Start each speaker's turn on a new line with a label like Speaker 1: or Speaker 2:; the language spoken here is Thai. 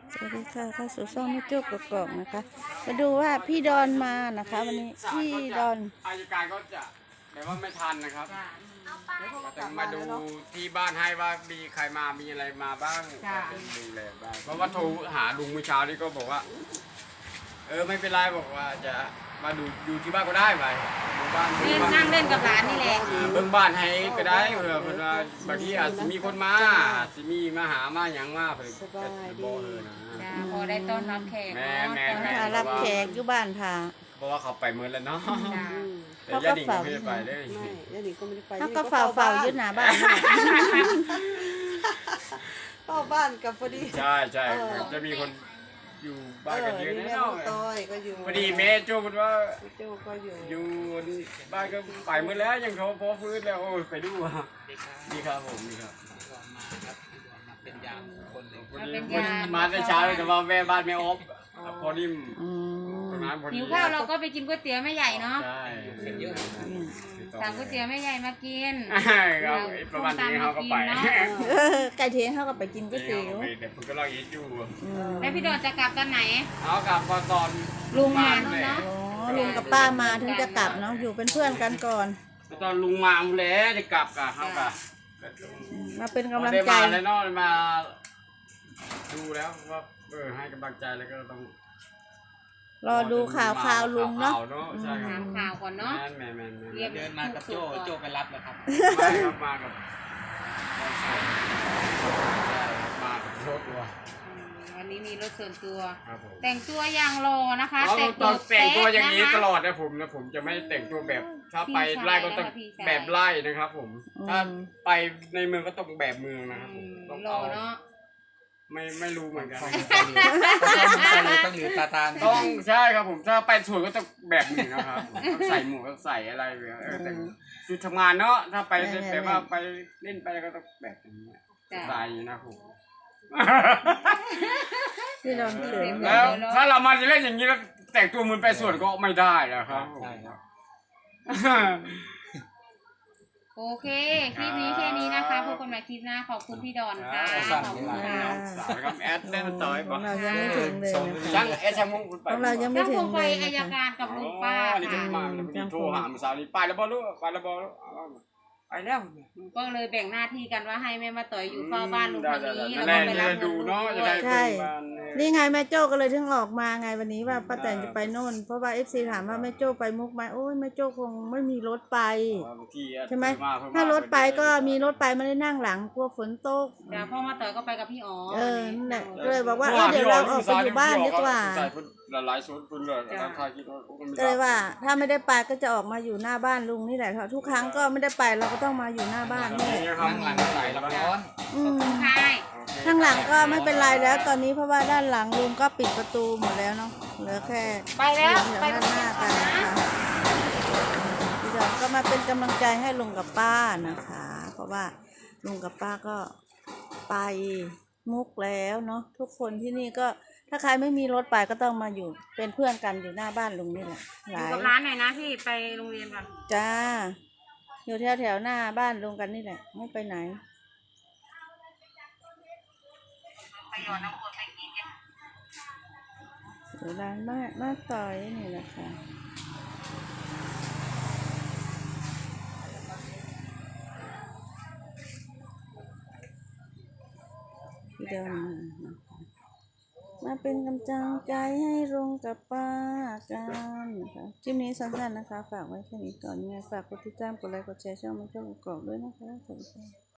Speaker 1: สวัสดีค่ะเข้าสู่ช่องแม่โจ้กกอกนะคะมาดูว่าพี่ดอนมานะคะ วันนี้พี่ดอน
Speaker 2: อายการก็จะแบบว่าไม่ทันนะครับแต่มาดูที่บ้านให้ว่ามีใครมามีอะไรมาบ้างดูแลบ้างเพราะว่าโทรหาลุงเมื่อเช้านี้ก็บอกว่าไม่เป็นไรบอกว่าจะมาดูที่บ้านก็ได้ไปดูบ้าน
Speaker 3: นั่งเล่นกับหลานนี่แหละ
Speaker 2: เบิ่งบ้านให้ก็ได้เผื่อบางทีอาจจะมีคนมาจะมีมาหามาอย่างมาเผื่อบอกนะ
Speaker 3: พอได้ต้อนรับแขก
Speaker 1: มารับแขกอยู่บ้านค่ะ
Speaker 2: เพราะว่าเขาไปเมื่อแล้วเนาะแต่ญาติก็ไม่ได้ไปเลย
Speaker 4: ญาติก็ไม่ได้ไป
Speaker 1: เขาก็เฝ้ายึดหนาบ้าน
Speaker 4: เฝ้าบ้านกับพอดี
Speaker 2: ใช่จะมีคนอยู่บ้านกันเยอะแน่นอนพอดีแม่โจ้พูดว่าอยู่บ้านก็ไปเมื่อแล้วยังเขาพอฟื้นแล้วโอ้ยไปดูดีครับผมดีครับ
Speaker 5: เป็นยามคนหนึ่ง
Speaker 2: มาแต่เช้าเลยแต่ว่าแม่บ้านแม่อบพอนิ่ม
Speaker 3: หิวข้าวเราก็ไปกินก๋วยเตี๋ยวแม่ใหญ่เนาะ
Speaker 2: ใช่
Speaker 5: เยอะ
Speaker 3: สั่งก๋วยเตี๋ยวแม่ใหญ่มากิน
Speaker 2: ครับประมาณนี้เขาก็ไป
Speaker 1: ไก่เทียนเขาก็ไปกินก๋วยเตี๋ยว
Speaker 2: เดี๋ยวผมก็รออีทอยู่
Speaker 3: แล้วพี่ดอนจะกลับตอนไหน
Speaker 2: เอากลับตอน
Speaker 3: ลุงมาเนาะ
Speaker 1: ลุงกับป้ามาถึงจะกลับเนาะอยู่เป็นเพื่อนกันก่อน
Speaker 2: ตอนลุงมาแล้วจะกลับกับเขากะ
Speaker 1: มาเป็นกำลังใจ
Speaker 2: แล้วเนาะมาดูแล้วว่าให้กำลังใจแล้วก็ต้อง
Speaker 1: รอดูข่าวลุงเนาะ
Speaker 3: ถามข่าวก่อนเนาะ
Speaker 5: เดินมากับโจ้ไปรับเลยครับ
Speaker 2: ไม่ครับมากับรถตัว
Speaker 3: วันนี้มีรถส่วนตัวแต่งตัวอย่างรอนะคะ
Speaker 2: แต่งตัวอย่างนี้ตลอดนะผมจะไม่แต่งตัวแบบถ้าไปไล่ก็ต้องแบบไล่นะครับผมถ้าไปในเมืองก็ต้องแบบเมืองนะครับผม
Speaker 3: ต้องรอเนาะ
Speaker 2: ไม่รู้เหมือนกัน
Speaker 5: ต้องอยู่ตา
Speaker 2: ต้องใช่ครับผมถ้าไปสวนก็ต้องแบบหนึ่งนะครับใส่หมวกใส่อะไรแต่ชุดทำงานเนาะถ้าไปแต่ว่าไปเล่นไปก็ต้องแบบนี้ใส่นะผมแล้วถ้าเรามาจะเล่นอย่างนี้แล้วแต่งตัวเหมือนไปสวนก็ไม่ได้นะครับ
Speaker 3: โอเคคลิปนี้แค่นี้นะคะพบกันใหม่คลิปหน้าขอบคุณพี่ดอนค่ะขอบคุณค่ะ
Speaker 2: ครับแอดเล่นต่อย
Speaker 1: เรายังไม่ถึงเลย
Speaker 2: ช่างแอดช่างมุ้งคุณไป
Speaker 1: เรายังไม่ถึง
Speaker 3: เลยอายการกับลุงป้า
Speaker 2: นี่จะมาโทรหาเมื่อเช้านี้ไปแล้วบอลลูกไปแล้วบอลไปแล้ว
Speaker 3: ก็เลยแบ่งหน้าที่กันว่าให้แม่มาต่อยอยู่เฝ้าบ้านลุงทางนี้แล้วก็ไปรับ
Speaker 2: ดูเนาะ
Speaker 1: ใช่นี่ไงแม่โจ้ก็เลยถึงออกมาไงวันนี้ว่าป้าแตนจะไปโน่นเพราะว่าFCถามว่าแม่โจ้ไปมุกไหมโอ้ยแม่โจ้คงไม่มีรถไปใช่ไหมถ้ารถไปก็มีรถไปไม่ได้นั่งหลังกลัวฝนตก
Speaker 3: เดี๋ยวพ่อมาต่อยก็ไปกับพี่อ๋อ
Speaker 1: นั่นแหละก็เลยบอกว่าเดี๋ยวเราออกไปอยู่บ้านดีกว่า
Speaker 2: หลายชุดคุณเลย
Speaker 1: ก็เลยว่าถ้าไม่ได้ไปก็จะออกมาอยู่หน้าบ้านลุงนี่แหละทุกครั้งก็ไม่ได้ไปเราก็ต้องมาอยู่หน้าบ้านนี่
Speaker 5: ข้างหลังใส่แล้วร้อน
Speaker 1: ข้างหลังก็ไม่เป็นไรแล้วตอนนี้เพราะว่าด้านหลังลุงก็ปิดประตูหมดแล้วเนาะเหลือแค่
Speaker 3: ไปแล้ว
Speaker 1: ไปด้านหน้ากันนะคะพี่ดอนก็มาเป็นกำลังใจให้ลุงกับป้านะคะ เพราะว่าลุงกับป้าก็ไปมุกแล้วเนาะทุกคนที่นี่ก็ถ้าใครไม่มีรถไปก็ต้องมาอยู่เป็นเพื่อนกันอยู่หน้าบ้านลุงนี่แหละ
Speaker 3: อยู่กับร้านหน่อยนะพี่ไปโรงเรียนก่อน
Speaker 1: จ้าอยู่แถวหน้าบ้านลุงกันนี่แหละไม่ไปไหนอยู่ร้านมาต่อยนี่แหละค่ะพี่เดินมาเป็นกำลังใจให้ลุงกับป้ากันนะคะคลิปนี้สั้นๆนะคะฝากไว้แค่นี้ก่อนยังไงฝากกดติดตามกดไลค์กดแชร์ช่องแม่โจ้กกอกด้วยนะคะสวัสดีค่ะ